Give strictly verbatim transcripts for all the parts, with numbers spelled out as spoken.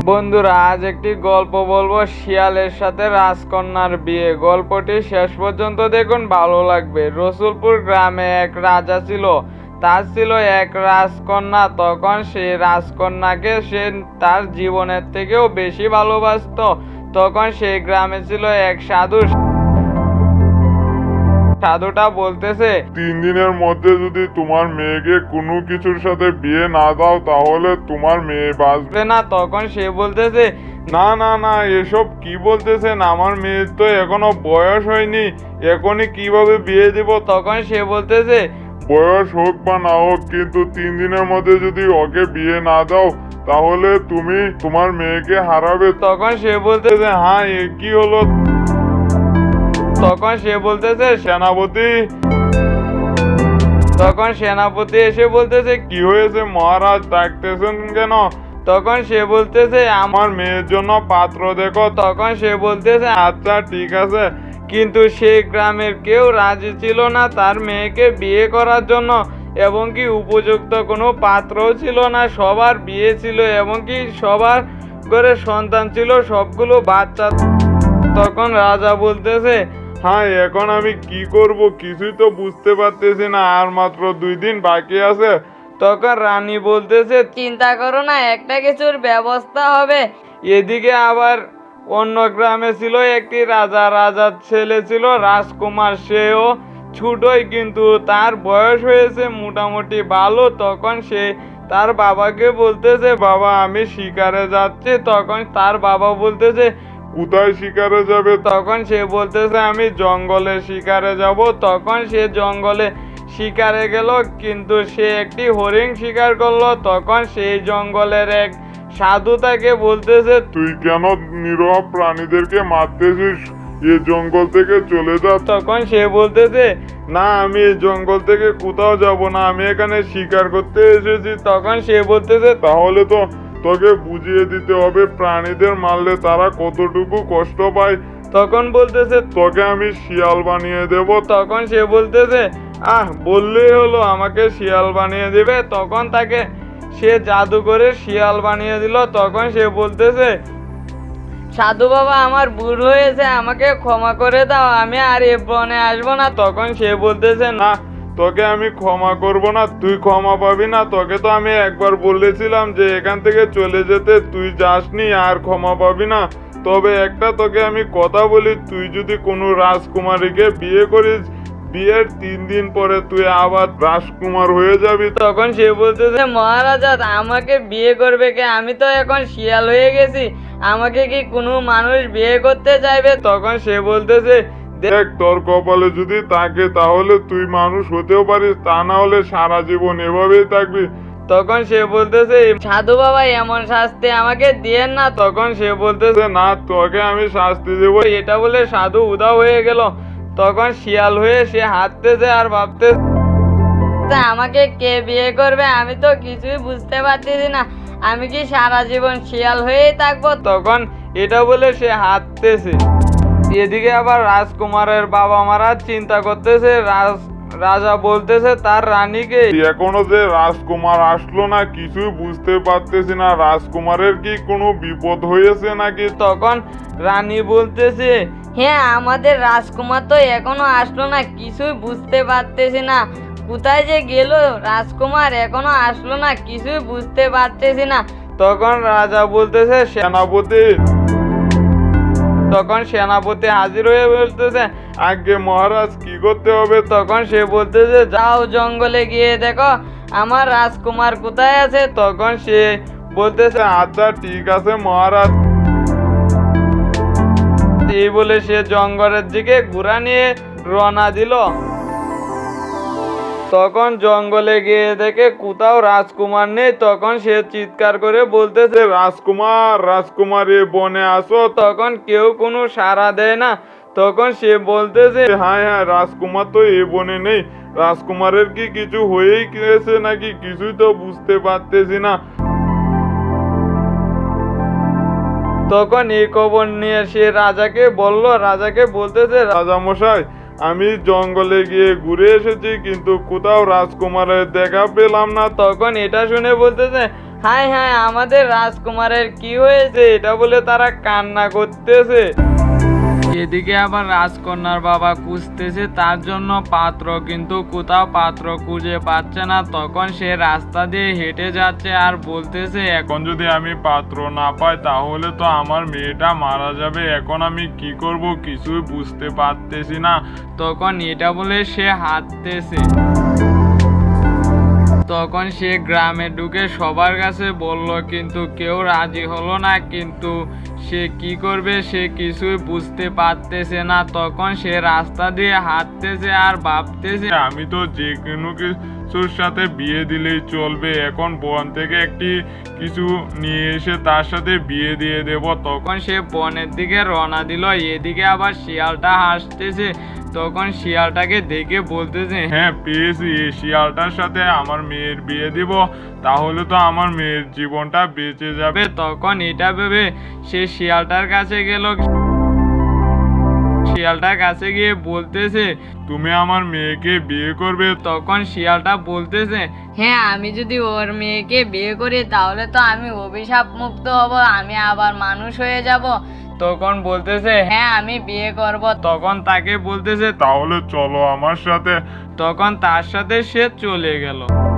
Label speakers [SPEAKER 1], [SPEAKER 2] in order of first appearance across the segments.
[SPEAKER 1] বন্ধুরা, আজ একটি গল্প বলবো শিয়ালের সাথে রাজকন্যার বিয়ে। গল্পটি শেষ পর্যন্ত দেখুন, ভালো লাগবে। রসুলপুর গ্রামে এক রাজা ছিল। তার ছিল এক রাজকন্যা। তখন সেই রাজকন্যাকে সে তার জীবনের থেকেও বেশি ভালোবাসতো। তখন সেই গ্রামে ছিল এক সাধু। সাধুটা বলতেছে,
[SPEAKER 2] তিন দিনের মধ্যে যদি তোমার মেয়েকে কোনো কিছুর সাথে বিয়ে না দাও তাহলে তোমার মেয়ে বাঁচবে
[SPEAKER 1] না। তখন সে বলতেছে,
[SPEAKER 2] না না না এসব কি বলতেছেন, আমার মেয়ের তো এখনো বয়স হয়নি, এখনই কিভাবে বিয়ে দিব।
[SPEAKER 1] তখন সে বলতেছে,
[SPEAKER 2] বয়স হোক বা না হোক, কিন্তু তিন দিনের মধ্যে যদি ওকে বিয়ে না দাও তাহলে তুমি তোমার মেয়েকে হারাবে।
[SPEAKER 1] তখন সে বলতেছে,
[SPEAKER 2] হ্যাঁ এ কি হলো?
[SPEAKER 1] তখন সে বলতেছে,
[SPEAKER 2] সেনাপতি।
[SPEAKER 1] তখন সেনাপতি এসে বলতেছে,
[SPEAKER 2] কি হয়েছে মহারাজ, ডাকতেছেন কেন?
[SPEAKER 1] তখন সে বলতেছে,
[SPEAKER 2] আমার মেয়ের জন্য পাত্র দেখো।
[SPEAKER 1] তখন সে বলতেছে,
[SPEAKER 2] আচ্ছা ঠিক আছে।
[SPEAKER 1] কিন্তু সেই গ্রামের কেউ রাজি ছিল না তার মেয়েকে বিয়ে করার জন্য, এবং কি উপযুক্ত কোনো পাত্রও ছিল না। সবার বিয়ে ছিল এবং কি সবার ঘরে সন্তান ছিল, সবগুলো বাচ্চা। তখন রাজা বলতেছে,
[SPEAKER 2] হ্যাঁ এখন আমি কি করব কিছুই তো বুঝতে পারতেছি না, আর মাত্র দুই দিন বাকি আছে।
[SPEAKER 1] তখন রানী বলতেছে, চিন্তা করো না, একটা কিছুর ব্যবস্থা হবে। এদিকে আবার অন্য গ্রামে ছিল একটি রাজা। রাজার ছেলে ছিল রাজকুমার। সেও ছোটই, কিন্তু তার বয়স হয়েছে মোটামুটি ভালো। তখন সে তার বাবাকে বলতেছে, বাবা আমি শিকারে যাচ্ছি। তখন তার বাবা বলতেছে,
[SPEAKER 2] কোথায় শিকারে যাবে?
[SPEAKER 1] তখন সে বলতেছে, আমি জঙ্গলে শিকারে যাব। তখন সে জঙ্গলে শিকারে গেল, কিন্তু সে একটি হরিণ শিকার করলো। তখন সেই জঙ্গলের এক সাধু তাকে বলতেছে,
[SPEAKER 2] তুই কেন নিরহ প্রাণীদেরকে মারতেছিস? এই জঙ্গল থেকে চলে যা।
[SPEAKER 1] তখন সে বলতেছে,
[SPEAKER 2] না আমি এই জঙ্গল থেকে কোথাও যাব না, আমি এখানে শিকার করতে এসেছি।
[SPEAKER 1] তখন সে বলতেছে,
[SPEAKER 2] তাহলে তো তোকে বুঝিয়ে দিতে হবে প্রাণীদের মারলে তারা কতটুকু কষ্ট পায়।
[SPEAKER 1] তখন বলতেছে,
[SPEAKER 2] তোকে আমি শিয়াল বানিয়ে দেব।
[SPEAKER 1] তখন সে বলতেছে, আহ বললেই হলো, আমাকে শিয়াল বানিয়ে দেবে। তখন তাকে সে জাদু করে শিয়াল বানিয়ে দিল। তখন সে বলতেছে, সাধু বাবা আমার ভুল হয়েছে, আমাকে ক্ষমা করে দাও, আমি আর এ বনে আসবো না। তখন সে বলতেছে, না
[SPEAKER 2] না তোকে আমি ক্ষমা করব না, তুই ক্ষমা পাবি না। তোকে তো আমি একবার বলেছিলাম যে এখান থেকে চলে যেতে, তুই যাসনি, আর ক্ষমা পাবি না। তবে একটা তোকে আমি কথা বলি, তুই যদি কোনো রাজকুমারীকে বিয়ে করিস, বিয়ের তিন দিন পরে তুই আবার রাজকুমার হয়ে যাবি।
[SPEAKER 1] তখন সে বলতেছে, মহারাজা আমাকে বিয়ে করবে কে? আমি তো এখন শিয়াল হয়ে গেছি, আমাকে কি কোনো মানুষ বিয়ে করতে চাইবে? তখন সে বলতেছে,
[SPEAKER 2] দেখ তোর কপালে যদি থাকে তাহলে তুই মানুষ হতেও পারিস, তা না হলে সারা জীবন এভাবেই থাকবি।
[SPEAKER 1] তখন সে বলতেছে, সাধু বাবা এমন শাস্তি আমাকে দিয়েন না। তখন সে বলতেছে,
[SPEAKER 2] না তোকে আমি শাস্তি দেবো।
[SPEAKER 1] এটা বলে সাধু উধাও হয়ে গেল। তখন শিয়াল হয়ে সে হাঁটতেছে আর ভাবতে, আমাকে কে বিয়ে করবে? আমি তো কিছুই বুঝতে পারতেছি না, আমি কি সারা জীবন শিয়াল হয়েই থাকবো? তখন এটা বলে সে হাঁটতেছে। এদিকে আবার রাজকুমারের বাবা মারা চিন্তা করতেছে। রাজ রাজা বলতেছে তার রানীকে,
[SPEAKER 2] এখনো যে রাজকুমার আসলো না, কিছুই বুঝতে পারতেছি না, রাজকুমারের কি কোনো বিপদ হয়েছে নাকি?
[SPEAKER 1] তখন রানী বলতেছে, হ্যাঁ আমাদের রাজকুমার তো এখনো আসলো না, কিছুই বুঝতে পারতেছি না, কোথায় যে গেল রাজকুমার, এখনো আসলো না, কিছুই বুঝতে পারতেছি না। তখন রাজা বলতেছে,
[SPEAKER 2] সেনাপতি।
[SPEAKER 1] তখন সেনাপতি হাজির হয়ে বলতেছে,
[SPEAKER 2] আগে মহারাজ কি করতে হবে?
[SPEAKER 1] তখন সে বলতেছে, যাও জঙ্গলে গিয়ে দেখো আমার রাজকুমার কোথায় আছে। তখন সে বলতেছে,
[SPEAKER 2] আচ্ছা ঠিক আছে মহারাজ।
[SPEAKER 1] এই বলে সে জঙ্গলের দিকে ঘোড়া নিয়ে রওনা দিল। তখন জঙ্গলে গিয়ে দেখে কোথাও রাজকুমার নেই। তখন সে চিৎকার করে বলতেছে,
[SPEAKER 2] রাজকুমার রাজকুমার এ বনে আসো।
[SPEAKER 1] তখন কেউ কোনো সাড়া দেয় না। তখন সে বলতেছে,
[SPEAKER 2] হ্যাঁ হ্যাঁ রাজকুমার তো এ বনে নেই, রাজকুমারের কি কিছু হয়েই গেছে নাকি, কিছুই তো বুঝতে পারতেছি না।
[SPEAKER 1] তখন এই খবর নিয়ে সে রাজাকে বলল। রাজাকে বলতেছে,
[SPEAKER 2] রাজা মশাই আমি জঙ্গলে গিয়ে ঘুরে এসেছি, কিন্তু কোথাও রাজকুমারের দেখা পেলাম না।
[SPEAKER 1] তখন এটা শুনে বলতেছে, হায় হায় আমাদের রাজকুমারের কি হয়েছে, এটা বলে তারা কান্না করতেছে। এদিকে আবার রাজকন্যার বাবা খুঁজতেছে তার জন্য পাত্র, কিন্তু কোথাও পাত্র খুঁজে পাচ্ছে না। তখন সে রাস্তা দিয়ে হেঁটে যাচ্ছে আর বলতেছে,
[SPEAKER 2] এখন যদি আমি পাত্র না পাই তাহলে তো আমার মেয়েটা মারা যাবে। এখন আমি কি করব কিছুই বুঝতে পারতেছি না।
[SPEAKER 1] তখন এটা বলে সে হাঁটতেছে। তখন সে গ্রামে ঢুকে সবার কাছে বলল, কিন্তু কেউ রাজি হলো না। কিন্তু সে কি করবে সে কিছুই বুঝতে পারতেছে না। তখন সে রাস্তা দিয়ে হাঁটতেছে আর ভাবতেছে,
[SPEAKER 2] আমি তো যে কোনো কিছুর সাথে বিয়ে দিলেই চলবে। এখন বন থেকে একটি কিছু নিয়ে এসে তার সাথে বিয়ে দিয়ে দেব।
[SPEAKER 1] তখন সে বনের দিকে রওনা দিল। এদিকে আবার শিয়ালটা হাসতেছে। তখন শিয়ালটাকে দেখে বলতেছে,
[SPEAKER 2] হ্যাঁ পেয়েছি, এই শিয়ালটার সাথে আমার মেয়ের বিয়ে দিব, তাহলে তো আমার মেয়ের জীবনটা বেঁচে যাবে।
[SPEAKER 1] তখন এটা ভেবে সে শিয়ালটার কাছে গেল। শিয়ালটার কাছে গিয়ে বলতেছে,
[SPEAKER 2] তুমি আমার মেয়েকে বিয়ে করবে?
[SPEAKER 1] তখন শিয়ালটা বলতেছে, হ্যাঁ আমি যদি ওর মেয়েকে বিয়ে করি তাহলে তো আমি অভিশাপ মুক্ত হব, আমি আবার মানুষ হয়ে যাব। তখন বলতেছে, হ্যাঁ আমি বিয়ে করব। তখন তাকে বলতেছে,
[SPEAKER 2] তাহলে চলো আমার সাথে।
[SPEAKER 1] তখন তার সাথে সে চলে গেল।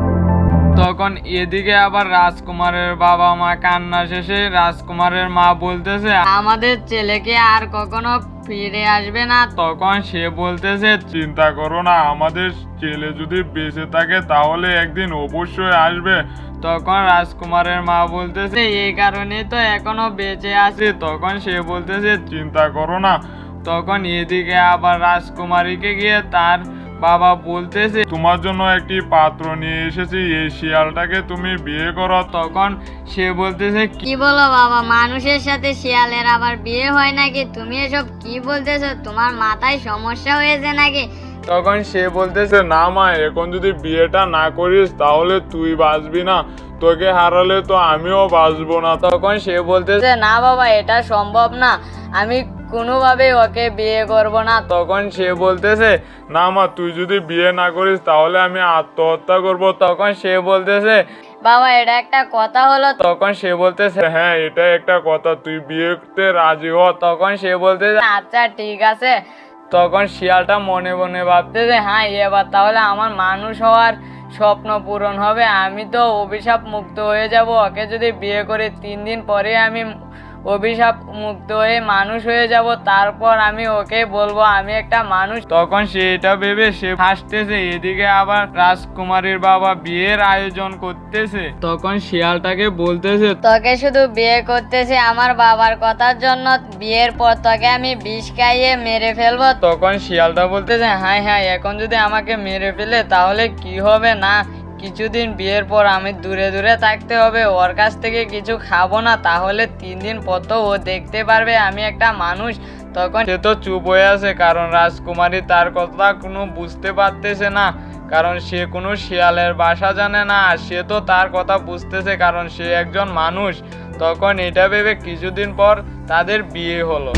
[SPEAKER 1] তখন এদিকে আবার রাজকুমারের বাবা মা কান্না শেষে রাজকুমারের মা বলতেছে, আমাদের ছেলেকে আর কখনো ফিরে আসবে না। তখন সে বলতেছে,
[SPEAKER 2] চিন্তা করো না, আমাদের ছেলে যদি বেঁচে থাকে তাহলে একদিন অবশ্যই আসবে।
[SPEAKER 1] তখন রাজকুমারের মা বলতেছে, এই কারণে তো এখনো বেঁচে আছে। তখন সে বলতেছে,
[SPEAKER 2] চিন্তা করো না।
[SPEAKER 1] তখন এদিকে আবার রাজকুমারীকে গিয়ে তার বাবা বলতেছে,
[SPEAKER 2] তোমার জন্য একটি পাত্র নিয়ে এসেছি, এই শিয়ালটাকে তুমি বিয়ে করো।
[SPEAKER 1] তখন সে বলতেছে,
[SPEAKER 3] কি বলো বাবা, মানুষের সাথে শিয়ালের আবার বিয়ে হয় নাকি? তুমি এসব কি বলতেছো? তোমার মাথায় সমস্যা হয়েছে নাকি?
[SPEAKER 2] তখন সে বলতেছে, না মা, এখন যদি বিয়েটা না করিস তাহলে তুই বাঁচবি না, তোকে হারালে তো আমিও বাঁচবো না।
[SPEAKER 1] তখন সে বলতেছে, না বাবা এটা সম্ভব না, আমি কোনোভাবে ওকে বিয়ে করব না। তখন সে বলতেছে,
[SPEAKER 2] না মা, তুই যদি বিয়ে না করিস তাহলে আমি আত্মহত্যা করব।
[SPEAKER 1] তখন সে বলতেছে,
[SPEAKER 3] বাবা এটা একটা কথা হলো?
[SPEAKER 1] তখন সে বলতেছে,
[SPEAKER 2] হ্যাঁ এটা একটা কথা, তুই বিয়েতে রাজি হ।
[SPEAKER 1] তখন সে বলতেছে,
[SPEAKER 3] আচ্ছা ঠিক আছে।
[SPEAKER 1] তখন শিয়ালটা মনে মনে ভাবতেছে, হ্যাঁ এবার তাহলে আমার মানুষ হওয়ার স্বপ্ন পূরণ হবে, আমি তো অভিশাপ মুক্ত হয়ে যাব। ওকে যদি বিয়ে করে তিন দিন পরে আমি অভিশাপ মুক্ত হয়ে মানুষ হয়ে যাব, তারপর আমি ওকে বলবো আমি একটা মানুষ। তখন সে এটা ভেবে সে হাসতেছে। এদিকে আবার রাজকুমারীর বাবা বিয়ের আয়োজন করতেছে। তখন শিয়ালটাকে বলতেছে,
[SPEAKER 3] তোকে শুধু বিয়ে করতেছে আমার বাবার কথার জন্য, বিয়ের পর তোকে আমি বিষ খাইয়ে মেরে ফেলবো।
[SPEAKER 1] তখন শিয়ালটা বলতেছে, হ্যাঁ হ্যাঁ এখন যদি আমাকে মেরে ফেলে তাহলে কি হবে, না কিছুদিন বিয়ের পর আমি দূরে দূরে থাকতে হবে, ওর কাছ থেকে কিছু খাবো না, তাহলে তিন দিন পর তো ও দেখতে পারবে আমি একটা মানুষ। তখন সে তো চুপ হয়ে আছে, কারণ রাজকুমারী তার কথা কোনো বুঝতে পারতেছে না, কারণ সে কোনো শিয়ালের ভাষা জানে না। আর সে তো তার কথা বুঝতেছে কারণ সে একজন মানুষ। তখন এটা ভেবে কিছুদিন পর তাদের বিয়ে হলো।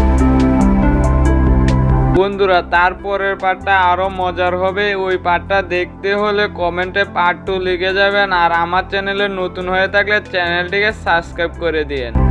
[SPEAKER 1] বন্ধুরা তারপরের পার্টটা আরো মজার হবে, ওই পার্টটা দেখতে হলে কমেন্টে পার্ট টু লিখে যাবেন। আর আমার চ্যানেলে নতুন হয়ে থাকলে চ্যানেলটিকে সাবস্ক্রাইব করে দিয়েন।